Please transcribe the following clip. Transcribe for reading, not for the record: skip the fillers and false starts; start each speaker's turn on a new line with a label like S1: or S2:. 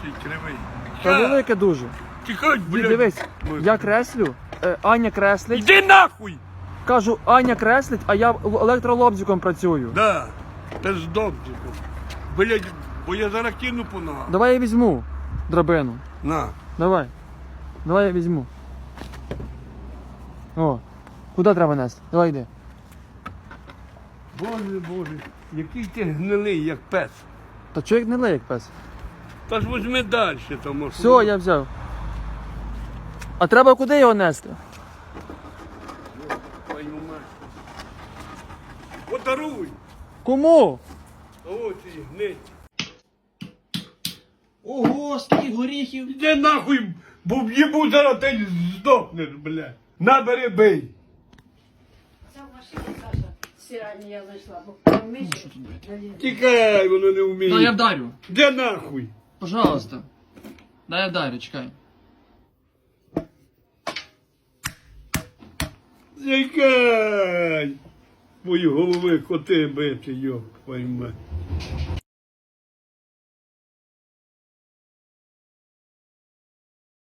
S1: ти кривий.
S2: Та велике дуже.
S1: Тихай,
S2: Дід,
S1: блядь.
S2: дивись, я креслю, Аня креслить.
S1: Іди нахуй!
S2: Кажу, Аня креслить, а я електролобзиком працюю.
S1: Да, та з добзиком. Блядь, бо я зараз кину по ногам.
S2: Давай я візьму драбину.
S1: На.
S2: Давай. Давай я візьму. О, куди треба нести? Давай йди.
S1: Боже, Боже, який ти гнилий, як пес.
S2: Та чоловік не лей, як пес.
S1: Та ж возьми далі, тому що...
S2: Все, я взяв. А треба куди його нести?
S1: Твою мать. Подаруй!
S2: Кому?
S1: О, ти гнить.
S2: Ого, скільки горіхів.
S1: Іди нахуй, бо в'їбу зараз ти здохнеш, блядь. Набери бий.
S3: Це в машині, Саша, стиральні я знайшла, бо поміж.
S1: Тікай, воно не вміє.
S2: Дай я вдарю.
S1: Де нахуй?
S2: Пожалуйста. Дай я вдарю, чекай.
S1: Тікай! Мої голови коти бити, йоп, твою мать.